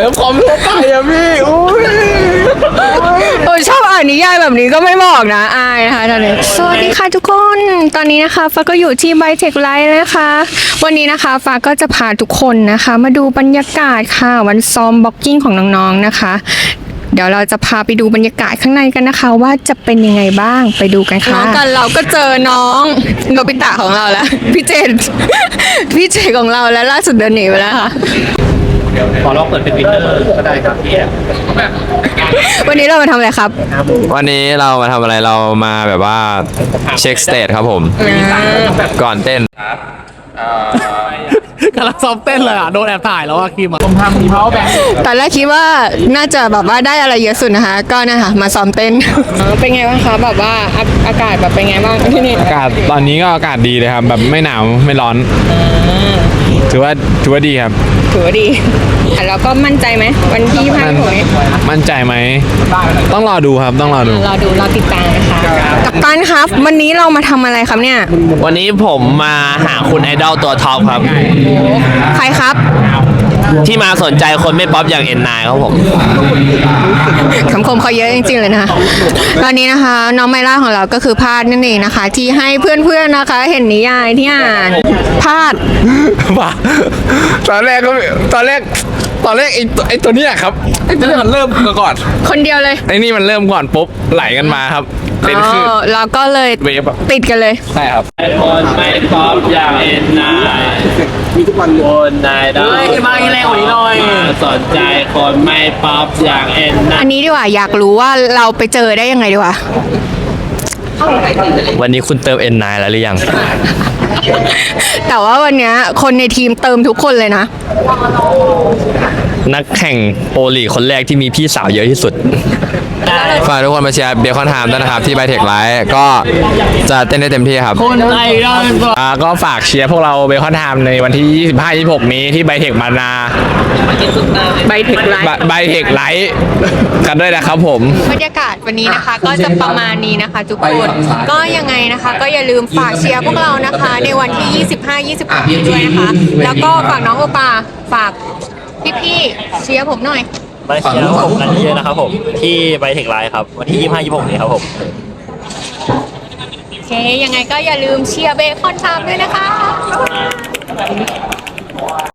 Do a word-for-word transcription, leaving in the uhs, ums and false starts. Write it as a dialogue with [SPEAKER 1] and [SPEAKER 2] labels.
[SPEAKER 1] ลิฟคอมทั่วไปอะพี่อุ้ย
[SPEAKER 2] โอ้ยชอบอ่านนิยายแบบนี้ก็ไม่บอกนะอายนะคะตอนนี้สวัสดีค่ะทุกคนตอนนี้นะคะฟ้าก็อยู่ที่ไบเทคไลท์นะคะ วันนี้นะคะฟ้าก็จะพาทุกคนนะคะ มาดูบรรยากาศค่ะวันซ้อมบ็อกกิ้งของน้องๆนะคะ เดี๋ยวเราจะพาไปดูบรรยากาศข้างในกันนะคะ ว่าจะเป็นยังไงบ้างไปดูกันค่ะกันเราก็เจอน้องโนบิตะของเราแล้วพี่เจนพี่เจนของเราแล้วล่าสุดเดินหนีไปแล้วค่ะ
[SPEAKER 1] ขอลองเปิดเป็นวินเนอร์ก็ได้ครับพี่
[SPEAKER 2] วันนี้เรามาทำอะไรครับ
[SPEAKER 3] วันนี้เรามาทำอะไรเรามาแบบว่าเช็คสเตทครับผมก่อนเต้น
[SPEAKER 1] กำลังซ้อมเต้นเลยอ่ะโดนแอบถ่ายแล้วอ่ะคิมอ่ะผมทำมีเพาแบงค์
[SPEAKER 2] ตอนแรกคิดว่าน่าจะแบบว่าได้อะไรเยอะสุดนะคะ ก็นะคะมาซ้อมเต้น เป็นไงบ้างคะแบบว่าอาอากาศแบบเป็นไงบ้างที่นี่
[SPEAKER 3] อากาศตอนนี้ก็อากาศดีเลยครับแบบไม่หนาวไม่ร้อนถือว่าถือว่าดีครับ
[SPEAKER 2] ถือว่าดีอ่ะแล้วก็มั่นใจไหมวันที่พันหกนี้
[SPEAKER 3] มั่นใจไหมต้องรอดูครับต้องรอดู
[SPEAKER 2] รอดูรอติดตามนะคะกัปตันครับวันนี้เรามาทำอะไรครับเนี่ย
[SPEAKER 4] วันนี้ผมมาหาคุณไอดอลตัวท็อปครับ
[SPEAKER 2] ใครครับ
[SPEAKER 4] ที่มาสนใจคนไม่ป๊อปอย่างเอ็นนายครับผม
[SPEAKER 2] คำคมเขาเยอะจริงๆเลยนะคะตอนนี้นะคะน้องไมล่าของเราก็คือพาดนั่นเองนะคะ ที่ให้เพื่อนๆนะคะ เห็นนิยายที่อ่านพาด
[SPEAKER 3] ป่ะตอนแรกก็ตอนแรกตอนแรกไอ้ตัวไอ้ตัวเนี้ยครับไอ้ตัวเนี้ยมันเริ่มก่อน
[SPEAKER 2] คนเดียวเลย
[SPEAKER 3] ไอ้นี่มันเริ่มก่อนปุ๊บไหลกันมาครับเป็นคลื่น
[SPEAKER 2] อ๋อแล้วก็เลย
[SPEAKER 3] เวฟอะ
[SPEAKER 2] ติดกันเลย
[SPEAKER 3] ใช่ครับ
[SPEAKER 4] คนไม่ป๊อปอย่างเอ็นนายมีทุกวันคนนายได้
[SPEAKER 1] มาอีกแล้วอีกหน่อย
[SPEAKER 4] สนใจคนไม่ป๊อปอย่างเอ็นนา
[SPEAKER 2] อั
[SPEAKER 4] ย
[SPEAKER 2] นนี้ดีกว่าอยากรู้ว่าเราไปเจอได้ยังไงดีกว่า
[SPEAKER 4] วันนี้คุณเติมเอ็นนายแล้วหรือยัง
[SPEAKER 2] แต่ว่าวันเนี้ยคนในทีมเติมทุกคนเลยนะ
[SPEAKER 4] นักแข่งโอลีคนแรกที่มีพี่สาวเยอะที่สุด
[SPEAKER 3] ฝากทุกคนมาเชียร์เบคอนไทม์ด้วยนะครับที่ไบเทคไลท์ก็จะเต้นได้เต็มที่ครับ
[SPEAKER 1] คนไอดอล
[SPEAKER 3] อ่าก็ฝากเชียร์พวกเราเบคอนไทม์ในวันที่ ยี่สิบห้า ยี่สิบหก นี้ที่ไบเทคบานา
[SPEAKER 2] ไบเทคไลท์
[SPEAKER 3] ไบเทคไลท์กันด้วยนะครับผม
[SPEAKER 2] บรรยากาศวันนี้นะคะ ก็จะประมาณนี้นะคะ ทุกคนก็ยังไงนะคะ ก็อย่าลืมฝากเชียร์พวกเรานะคะ ในวันที่ ยี่สิบห้า ยี่สิบหก นี้ด้วยนะคะ แล้วก็ฝากน้องโอปาฝากพี่ๆเชียร์ผมหน่อย
[SPEAKER 5] มาเชียร์ผมกันเยอะนะครับผมที่ไบเทคไลน์ครับวันที่ยี่สิบห้า ยี่สิบหกนี้ครับผม
[SPEAKER 2] โอเค ยังไงก็อย่าลืมเชียร์เบคอนไทม์ด้วยนะคะ